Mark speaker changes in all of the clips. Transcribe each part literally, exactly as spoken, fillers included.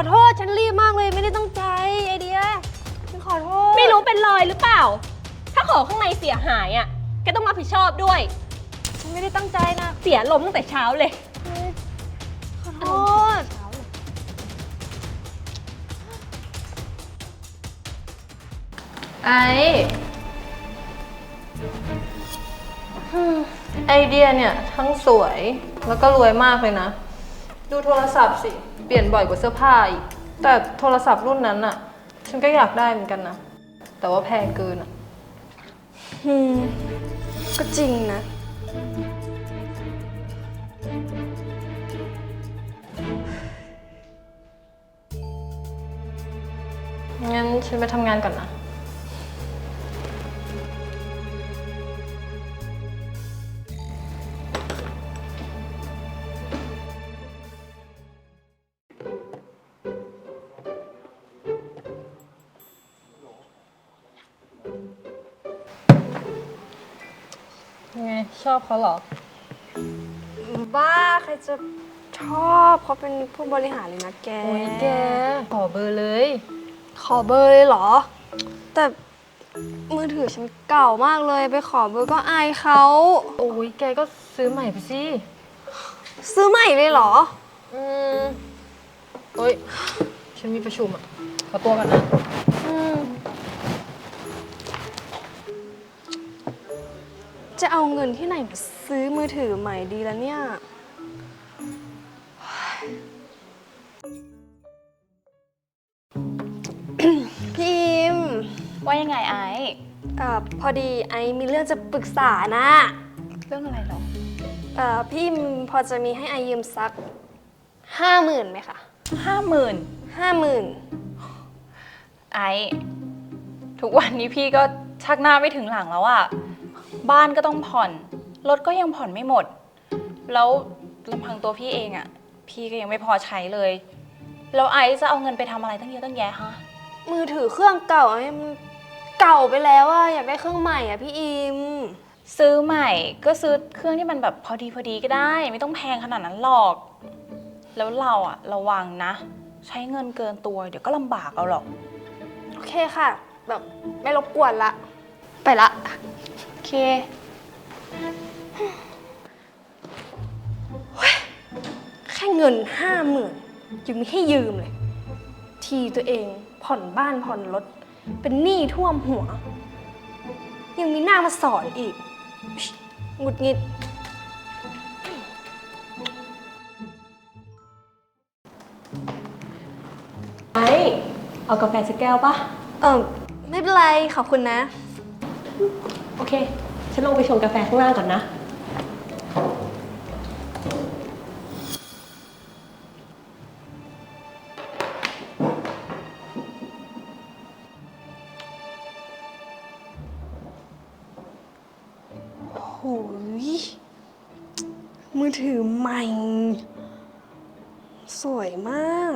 Speaker 1: อโทษฉันรีบมากเลยไม่ได้ตั้งใจไอเดียฉันขอโทษ
Speaker 2: ไม่รู้เป็นรอยหรือเปล่าถ้าของข้างในเสียหายอ่ะแกต้องรับผิดชอบด้วย
Speaker 1: ฉันไม่ได้ตั้งใจนะ
Speaker 2: เสียลมตั้งแต่เช้าเลย
Speaker 1: ขอโทษ
Speaker 3: ไอไอเดียเนี่ยทั้งสวยแล้วก็รวยมากเลยนะดูโทรศัพท์สิเปลี่ยนบ่อยกว่าเสื้อผ้าอีกแต่โทรศัพท์รุ่นนั้นอะฉันก็อยากได้เหมือนกันนะแต่ว่าแพงเกินอะ
Speaker 1: อืมก็จริงนะ
Speaker 3: งั้นฉันไปทำงานก่อนนะไงชอบเขาเหรอ
Speaker 1: บ้าใครจะชอบเขาเป็นผู้บริหารเลยนะแก
Speaker 3: โอ้ยแกขอเบอร์เลย
Speaker 1: ขอเบอร์เลยเหรอแต่มือถือฉันเก่ามากเลยไปขอเบอร์ก็อายเขา
Speaker 3: โอ้ยแกก็ซื้อใหม่ไปสิ
Speaker 1: ซื้อใหม่เลยเหรอ
Speaker 3: อืมเฮ้ยฉันมีประชุมอ่ะขอตัวกันนะ
Speaker 1: อืมจะเอาเงินที่ไหนมาซื้อมือถือใหม่ดีแล้วเนี่ยพี่อิม
Speaker 2: ว่ายังไงไอ้
Speaker 1: เอ่อพอดีไอมีเรื่องจะปรึกษานะ
Speaker 2: เรื่องอะไรหรอ
Speaker 1: เอ่อพี่อิมพอจะมีให้ไอยืมสักห้าหมื่นไหมคะ
Speaker 2: ห้าหมื่น
Speaker 1: ห้าหมื่น
Speaker 2: ไอ้ทุกวันนี้พี่ก็ชักหน้าไม่ถึงหลังแล้วอะบ้านก็ต้องผ่อนรถก็ยังผ่อนไม่หมดแล้วลำพังตัวพี่เองอะพี่ก็ยังไม่พอใช้เลยแล้วไอซ์จะเอาเงินไปทำอะไรตั้งเยอะตั้งแยะฮะ
Speaker 1: มือถือเครื่องเก่าไอ้มันเก่าไปแล้วอะอยากได้เครื่องใหม่อะพี่อิม
Speaker 2: ซื้อใหม่ก็ซื้อเครื่องที่มันแบบพอดีพอดีก็ได้ไม่ต้องแพงขนาดนั้นหรอกแล้วเราอะระวังนะใช้เงินเกินตัวเดี๋ยวก็ลำบากเอาหรอก
Speaker 1: โอเคค่ะแบบไม่รบกวนละไปละ
Speaker 2: โอเค
Speaker 1: แค่เงินห้าหมื่นยังไม่ให้ยืมเลยทีตัวเองผ่อนบ้านผ่อนรถเป็นหนี้ท่วมหัวยังมีหน้ามาสอนอีกหงุดหงิด
Speaker 2: ไอเอากาแฟสักแก้วปะ
Speaker 1: เออไม่เป็นไรขอบคุณนะ
Speaker 2: โอเคฉันลงไปชงกาแฟข้างล่างก่อนนะ
Speaker 1: โอ้ยมือถือใหม่สวยมาก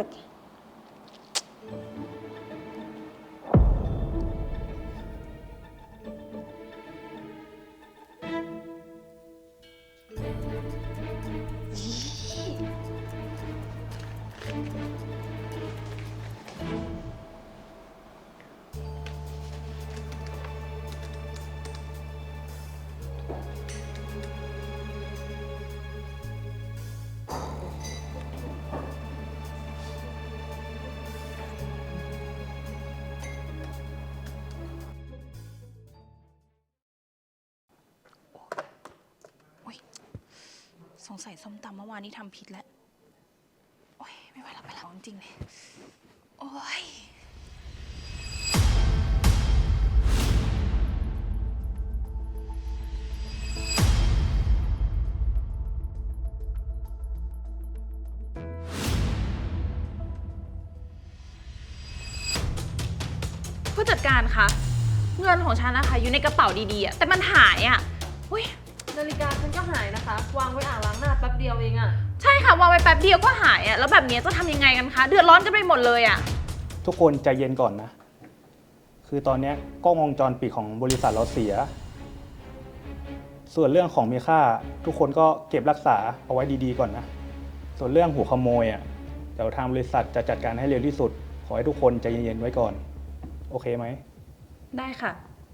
Speaker 2: สงสัยส้มตำเมื่อวานนี้ทำผิดแล้วโอ๊ยไม่ไหวแล้วไปแล้วจริงๆเลยโอ๊ยผู้จัดการคะเงินของฉันนะคะอยู่ในกระเป๋าดีๆอะแต่มันหายอ่ะอุ้ย
Speaker 3: นาฬิกาฉันก็หายนะคะวางไว้อ่างล้างหน้าแป๊บเดียวเองอะ
Speaker 2: ใช่ค่ะวางไว้แป๊บเดียวก็หายอ่ะแล้วแบบนี้จะทำยังไงกันคะเดือดร้อนกันไปหมดเลยอ่ะ
Speaker 4: ทุกคนใจเย็นก่อนนะคือตอนนี้กล้องวงจรปิดของบริษัทเราเสียส่วนเรื่องของมีค่าทุกคนก็เก็บรักษาเอาไว้ดีๆก่อนนะส่วนเรื่องหัวขโมยอ่ะเดี๋ยวทางบริษัทจะจัดการให้เร็วที่สุด ขอให้ทุกคนใจเย็นๆไว้ก่อน โอเคไหม
Speaker 2: ได้ค่ะ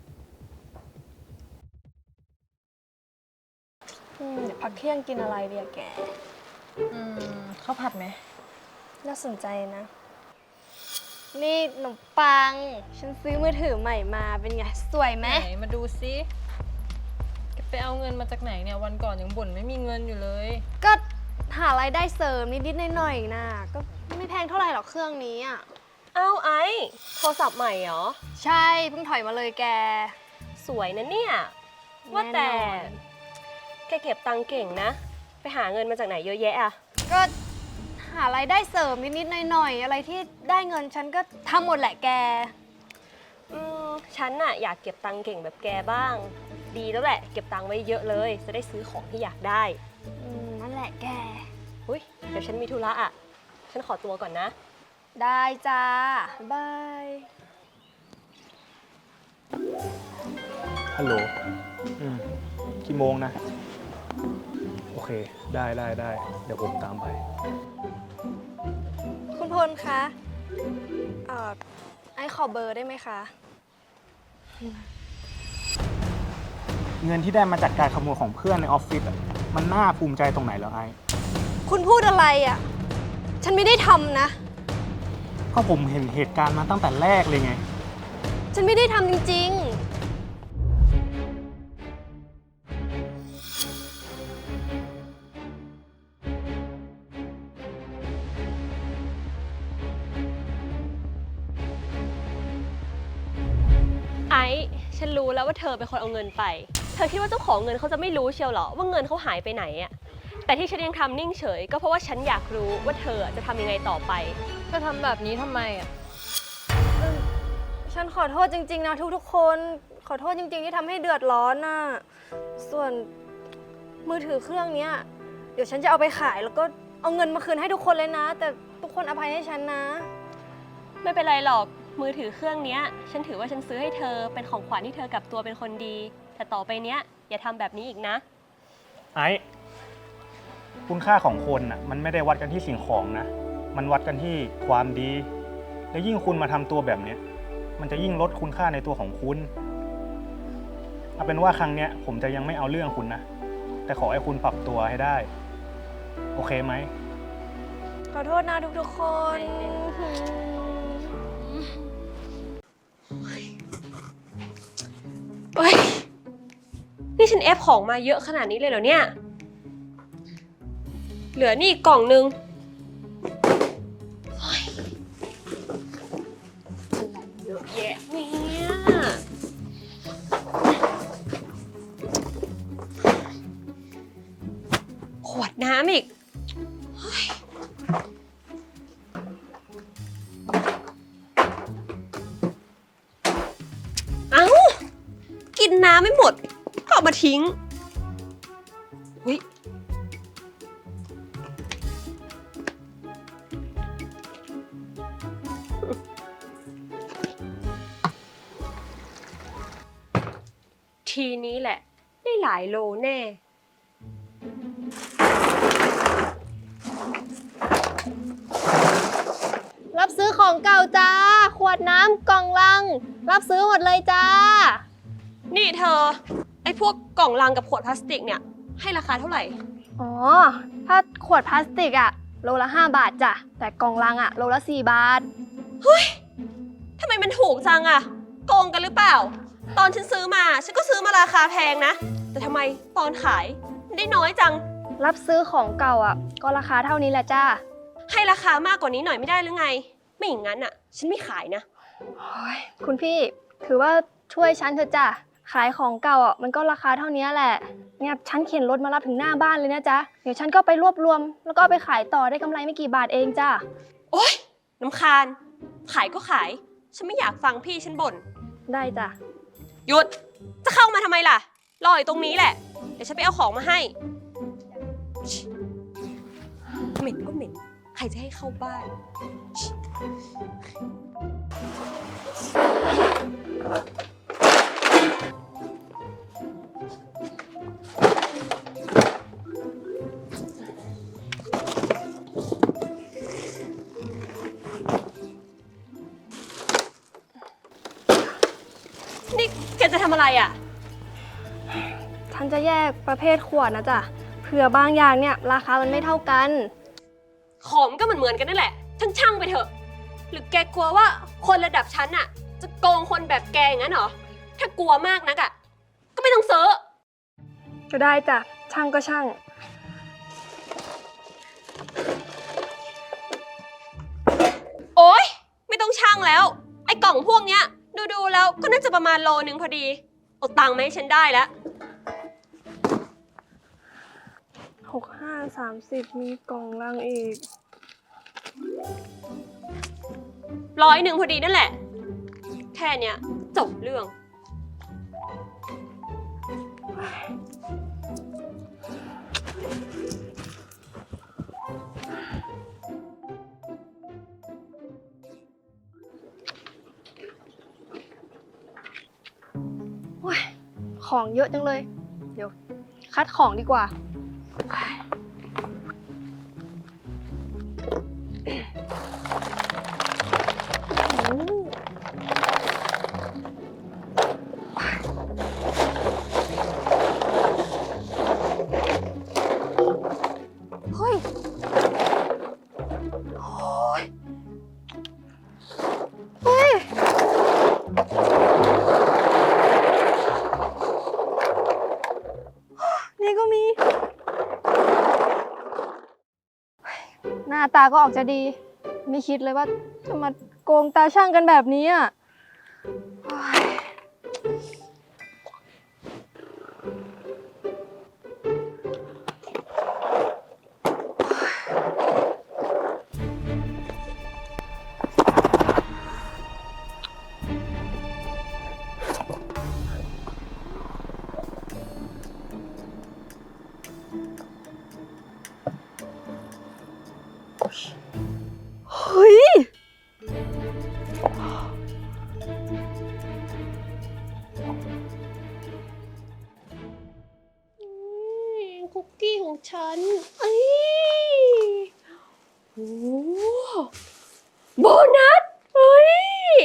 Speaker 1: อืมเดี๋ยวพักเที่ยงกินอะไรเดียแก
Speaker 3: อืมข้าวผัดไหม
Speaker 1: น่าสนใจนะ นี่ขนมปัง ฉันซื้อมือถือใหม่มาเป็นไง สวยไหม
Speaker 3: ไหนมาดูซิแกไปเอาเงินมาจากไหนเนี่ยวันก่อนยังบ่นไม่มีเงินอยู่เลย
Speaker 1: ก็หารายได้เสริมนิดๆหน่อยๆนะก็ไม่แพงเท่าไหร่หรอกเครื่องนี้อ่ะ
Speaker 5: อ้าวไอ้โทรศัพท์ใหม่เหรอ
Speaker 1: ใช่เพิ่งถอยมาเลยแก
Speaker 5: สวยนะเนี่ย ว่าแต่
Speaker 1: แน่นอน
Speaker 5: แกเก็บตังค์เก่งนะ ไปหาเงินมาจากไหนเยอะแยะอะ
Speaker 1: ก็หารายได้เสริมนิดๆหน่อยๆอะไรที่ได้เงินฉันก็ทำหมดแหละแก
Speaker 5: อืมฉันน่ะอยากเก็บตังค์เก่งแบบแกบ้าง ดีแล้วแหละ เก็บตังค์ไว้เยอะเลย จะได้ซื้อของที่อยากได้
Speaker 1: อืมนั่นแหละแก
Speaker 5: อุ้ยเดี๋ยวฉันมีธุระอะฉันขอตัวก่อนนะ
Speaker 1: ได้จ้า บาย
Speaker 4: ฮัลโหล อืมกี่โมงนะ โอเค ได้ได้ได้ เดี๋ยวผมตามไป
Speaker 1: คุณพลคะเอ่อไอขอเบอร์ได้ไหมคะ
Speaker 4: เงินที่ได้มาจากการขโมยของเพื่อนในออฟฟิศอะมันน่าภูมิใจตรงไหนเหรอไอ้
Speaker 1: คุณพูดอะไรอ่ะ ฉันไม่ได้ทำนะ
Speaker 4: ก็ผมเห็นเหตุการณ์มาตั้งแต่แรกเลยไง
Speaker 1: ฉันไม่ได้ทำจริงๆ
Speaker 5: ไอ้ฉันรู้แล้วว่าเธอเป็นคนเอาเงินไป เธอคิดว่าเจ้าของเงินเขาจะไม่รู้เชียวเหรอว่าเงินเขาหายไปไหนอะแต่ที่ฉันยังทำนิ่งเฉย ก็เพราะว่าฉันอยากรู้ว่าเธอจะทำยังไงต่อไป
Speaker 3: เธอทำแบบนี้ทำไมอ่ะ
Speaker 1: ฉันขอโทษจริง ๆ นะทุกๆ คน ขอโทษจริง ๆ ที่ทำให้เดือดร้อนน่ะ ส่วนมือถือเครื่องเนี้ย เดี๋ยวฉันจะเอาไปขายแล้วก็เอาเงินมาคืนให้ทุกคนเลยนะ แต่ทุกคนอภัยให้ฉันนะ
Speaker 5: ไม่เป็นไรหรอกมือถือเครื่องเนี้ย ฉันถือว่าฉันซื้อให้เธอเป็นของขวัญที่เธอกลับตัวเป็นคนดี แต่ต่อไปเนี้ยอย่าทำแบบนี้อีกนะ
Speaker 4: ไอ้คุณค่าของคนน่ะมันไม่ได้วัดกันที่สิ่งของนะ มันวัดกันที่ความดี และยิ่งคุณมาทำตัวแบบเนี้ยมันจะยิ่งลดคุณค่าในตัวของคุณเอาเป็นว่าครั้งเนี้ยผมจะยังไม่เอาเรื่องคุณนะ แต่ขอให้คุณปรับตัวให้ได้ โอเคไหม
Speaker 1: ขอโทษนะทุกๆ คน
Speaker 5: เฮ้ย นี่ฉันเอฟของมาเยอะขนาดนี้เลยเหรอเนี่ย เหลือนี่อีกกล่องนึงเฮ้ยอะไรเยอะแยะเนี่ยขวดน้ำอีกเฮ้ยเอ้า กินน้ำไม่หมด ก็เอามาทิ้งอุ๊ยทีนี้แหละ ได้หลายโลแน่
Speaker 1: รับซื้อของเก่าจ้า ขวดน้ำกล่องลัง รับซื้อหมดเลยจ้า
Speaker 5: นี่เธอ ไอ้พวกกล่องลังกับขวดพลาสติกเนี่ย ให้ราคาเท่าไหร่
Speaker 1: อ๋อ ถ้าขวดพลาสติกอะโลละห้าบาทจ้ะ แต่กล่องลังอะโลละสี่บาท
Speaker 5: ทำไมมันถูกจังอะโกงกันหรือเปล่า ตอนฉันซื้อมา ฉันก็ซื้อมาราคาแพงนะ แต่ทำไมตอนขายมันได้น้อยจัง
Speaker 1: รับซื้อของเก่าอะก็ราคาเท่านี้แหละจ้า
Speaker 5: ให้ราคามากกว่านี้หน่อยไม่ได้หรือไง ไม่อย่างนั้นอะฉันไม่ขายนะ
Speaker 1: คุณพี่ถือว่าช่วยฉันเถอะจ้ะ ขายของเก่าอ่ะมันก็ราคาเท่านี้แหละ เนี่ยฉันเข็นรถมารับถึงหน้าบ้านเลยนะจ๊ะ เดี๋ยวฉันก็ไปรวบรวม แล้วก็เอาไปขายต่อได้กำไรไม่กี่บาทเองจ้ะ
Speaker 5: โอ๊ยน้ำคาญ ขายก็ขาย ฉันไม่อยากฟังพี่ฉันบ่น
Speaker 1: ได้จ้ะ
Speaker 5: หยุด จะเข้ามาทำไมล่ะ รออยู่ตรงนี้แหละ เดี๋ยวฉันไปเอาของมาให้ชิเหม็นก็เหม็น ใครจะให้เข้าบ้านชิอ่ะ
Speaker 1: ฉันจะแยกประเภทขวดนะจ๊ะเผื่อบางอย่างเนี่ยราคามันไม่เท่ากัน
Speaker 5: ของก็เหมือนเหมือนๆกันนั่นแหละช่างช่างๆไปเถอะ หรือแกกลัวว่าคนระดับฉันอะจะโกงคนแบบแกอย่างนั้นเหรอ ถ้ากลัวมากนักอะก็ไม่ต้องซื้อ
Speaker 1: ก็ได้จ้ะช่างก็ช่าง
Speaker 5: โอ๊ย ไม่ต้องช่างแล้ว ไอ้กล่องพวกเนี้ย ดูๆแล้วก็น่าจะประมาณโลนึงพอดีเอาตังค์มาให้ฉันได้แล้ว
Speaker 1: หกห้าสามสิบมีกล่องลังอีก
Speaker 5: ร้อยหนึ่งพอดีนั่นแหละ แค่เนี้ยจบเรื่อง
Speaker 1: ของเยอะจังเลย เดี๋ยว คัดของดีกว่า เฮ้ย โอ้ย เฮ้ย นี่ก็มี หน้าตาก็ออกจะดี ไม่คิดเลยว่าจะมาโกงตาช่างกันแบบนี้อ่ะโอ๊ยเฮ้ย
Speaker 5: คุกกี้ของฉันเอ้ยโอ้โบนัสเฮ้ย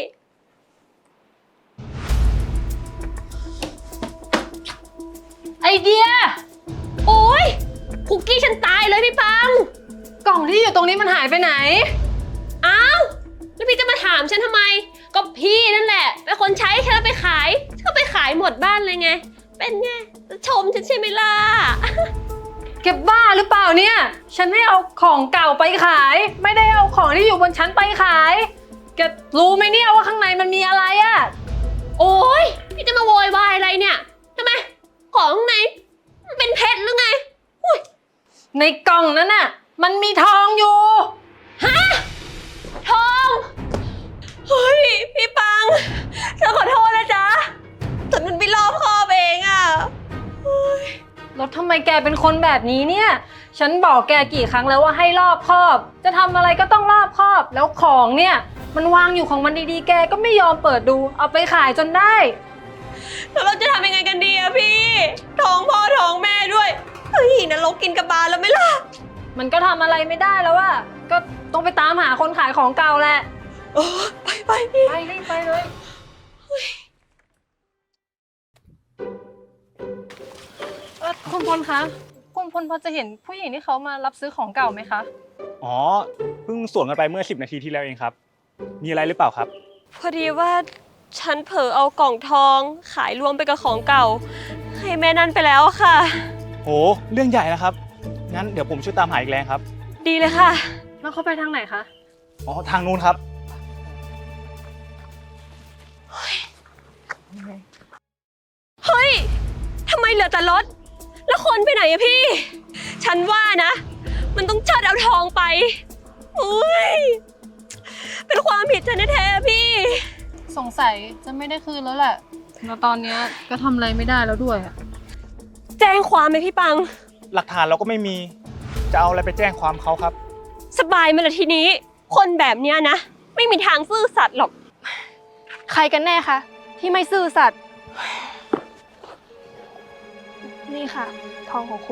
Speaker 5: ไอเดีย โอ้ยคุกกี้ฉันตายเลยพี่ปัง
Speaker 3: กล่องที่อยู่ตรงนี้มันหายไปไหน
Speaker 5: อ้าวแล้วพี่จะมาถามฉันทำไม ก็พี่นั่นแหละ เป็นคนใช้ฉันเอาไปขายฉันก็ไปขายหมดบ้านเลยไง เป็นไงจะชมฉันใช่ไหมล่ะ
Speaker 3: เก็บบ้าหรือเปล่าเนี่ย ฉันให้เอาของเก่าไปขาย ไม่ได้เอาของที่อยู่บนชั้นไปขายแกรู้ไหมเนี่ยว่าข้างในมันมีอะไรอะ
Speaker 5: โอ้ยพี่จะมาโวยวายอะไรเนี่ยทำไม ของข้างในมันเป็นเพชรหรือไงอุ้ย
Speaker 3: ในกล่องนั้นน่ะ มันมีทองอยู่
Speaker 5: ฮะทองเฮ้ยพี่ปังฉันขอโทษนะจ๊ะแต่มันไม่รอบคอบเองอะเฮ้ย
Speaker 3: แล้วทำไมแกเป็นคนแบบนี้เนี่ย ฉันบอกแกกี่ครั้งแล้วว่าให้รอบคอบ จะทำอะไรก็ต้องรอบคอบ แล้วของเนี่ย มันวางอยู่ของมันดีๆ แกก็ไม่ยอมเปิดดู เอาไปขายจนได้
Speaker 5: แล้วเราจะทำยังไงกันดีอะพี่ท้องพ่อท้องแม่ด้วยเฮ้ยนรกกินกระบาลแล้วไหมล่ะ
Speaker 3: มันก็ทำอะไรไม่ได้แล้วอะก็ต้องไปตามหาคนขายของเก่าแหละ
Speaker 5: โอ้ไปไปพี่
Speaker 3: ไปรีบไปเลย เออคุณพลคะ คุณพลพอจะเห็นผู้หญิงที่เขามารับซื้อของเก่าไหมคะ
Speaker 4: อ๋อ เพิ่งสวนกันไปเมื่อสิบนาทีที่แล้วเองครับ มีอะไรหรือเปล่าครับ
Speaker 5: พอดีว่าฉันเผลอเอากล่องทองขายรวมไปกับของเก่า ให้แม่นั่นไปแล้วอะค่ะ
Speaker 4: โห เรื่องใหญ่นะครับ งั้นเดี๋ยวผมช่วยตามหาอีกแรงครับ
Speaker 5: ดีเลยค่ะ
Speaker 3: แล้วเขาไปทางไหนคะ
Speaker 4: อ๋อ ทางนู้นครับ
Speaker 5: เฮ้ย ทำไมเหลือแต่รถ แล้วคนไปไหนอะพี่ ฉันว่านะ มันต้องเชิดเอาทองไป อุ้ย เป็นความผิดฉันแท้ๆพี่
Speaker 3: สงสัยจะไม่ได้คืนแล้วแหละ แล้วตอนนี้ก็ทำอะไรไม่ได้แล้วด้วยอะ
Speaker 5: แจ้งความไหมพี่ปัง
Speaker 4: หลักฐานเราก็ไม่มี จะเอาอะไรไปแจ้งความเขาครับ
Speaker 5: สบายไหมล่ะทีนี้ คนแบบเนี้ยนะ ไม่มีทางซื่อสัตย์หรอก
Speaker 1: ใครกันแน่คะที่ไม่ซื่อสัตย์นี่ค่ะ ทองของคุณ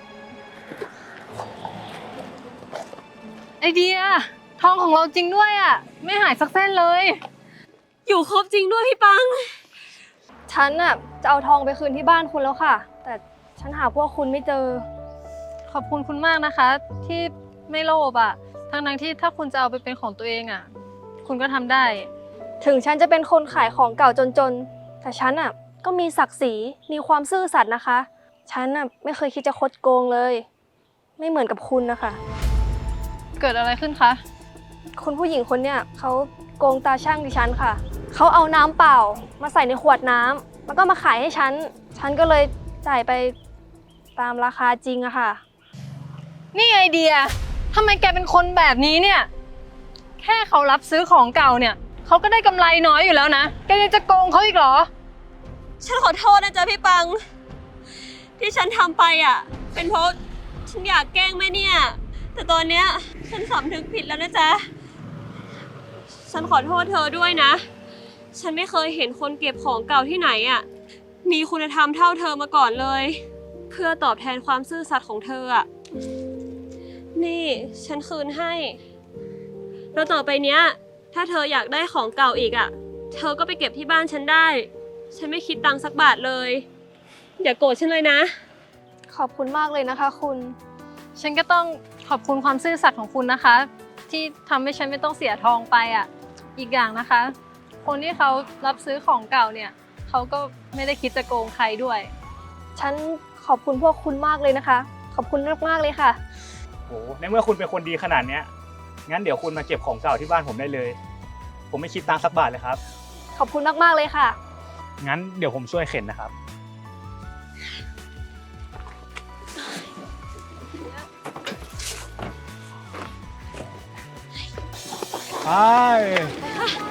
Speaker 3: ไอเดีย ทองของเราจริงด้วยอะไม่หายสักเส้นเลย
Speaker 5: อยู่ครบจริงด้วยพี่ปัง ฉ
Speaker 1: ฉันน่ะจะเอาทองไปคืนที่บ้านคุณแล้วค่ะ แต่ฉันหาพวกคุณไม่เจอ
Speaker 3: ขอบคุณคุณมากนะคะ ที่ไม่โลภอะทั้งนั้นที่ถ้าคุณจะเอาไปเป็นของตัวเองอะคุณก็ทำได้
Speaker 1: ถึงฉันจะเป็นคนขายของเก่าจนๆ แต่ฉันน่ะก็มีศักดิ์ศรี มีความซื่อสัตย์นะคะ ฉันน่ะไม่เคยคิดจะคดโกงเลย ไม่เหมือนกับคุณนะคะ
Speaker 3: เกิดอะไรขึ้นคะ
Speaker 1: คุณผู้หญิงคนเนี้ยเขาโกงตาช่างดิฉันค่ะ เขาเอาน้ำเปล่ามาใส่ในขวดน้ำแล้วก็มาขายให้ฉัน ฉันก็เลยจ่ายไปตามราคาจริงอะค่ะ
Speaker 3: นี่ไอเดียทำไมแกเป็นคนแบบนี้เนี่ย แค่เขารับซื้อของเก่าเนี่ยเขาก็ได้กำไรน้อยอยู่แล้วนะ แกยังจะโกงเขาอีกเหรอ
Speaker 5: ฉันขอโทษนะจ๊ะพี่ปัง ที่ฉันทำไปอ่ะ เป็นเพราะฉันอยากแกล้งแม่เนี่ย แต่ตอนเนี้ยฉันสำนึกผิดแล้วนะจ๊ะ ฉันขอโทษเธอด้วยนะ ฉันไม่เคยเห็นคนเก็บของเก่าที่ไหนอ่ะ มีคุณธรรมเท่าเธอมาก่อนเลย เพื่อตอบแทนความซื่อสัตย์ของเธออ่ะ นี่ฉันคืนให้ แล้วต่อไปเนี้ย ถ้าเธออยากได้ของเก่าอีกอ่ะ เธอก็ไปเก็บที่บ้านฉันได้ ฉันไม่คิดตังค์สักบาทเลย อย่าโกรธฉันเลยนะ
Speaker 1: ขอบคุณมากเลยนะคะคุณ
Speaker 3: ฉันก็ต้องขอบคุณความซื่อสัตย์ของคุณนะคะ ที่ทำให้ฉันไม่ต้องเสียทองไปอ่ะ อีกอย่างนะคะ คนที่เขารับซื้อของเก่าเนี่ยเขาก็ไม่ได้คิดจะโกงใครด้วย
Speaker 1: ฉันขอบคุณพวกคุณมากเลยนะคะ ขอบคุณมากๆเลยค่ะ
Speaker 4: โอ้ในเมื่อคุณเป็นคนดีขนาดเนี้ยงั้นเดี๋ยวคุณมาเก็บของเก่าที่บ้านผมได้เลย ผมไม่คิดตังค์สักบาทเลยครับ
Speaker 1: ขอบคุณมากๆเลยค่ะ
Speaker 4: งั้นเดี๋ยวผมช่วยเข็นนะครับไป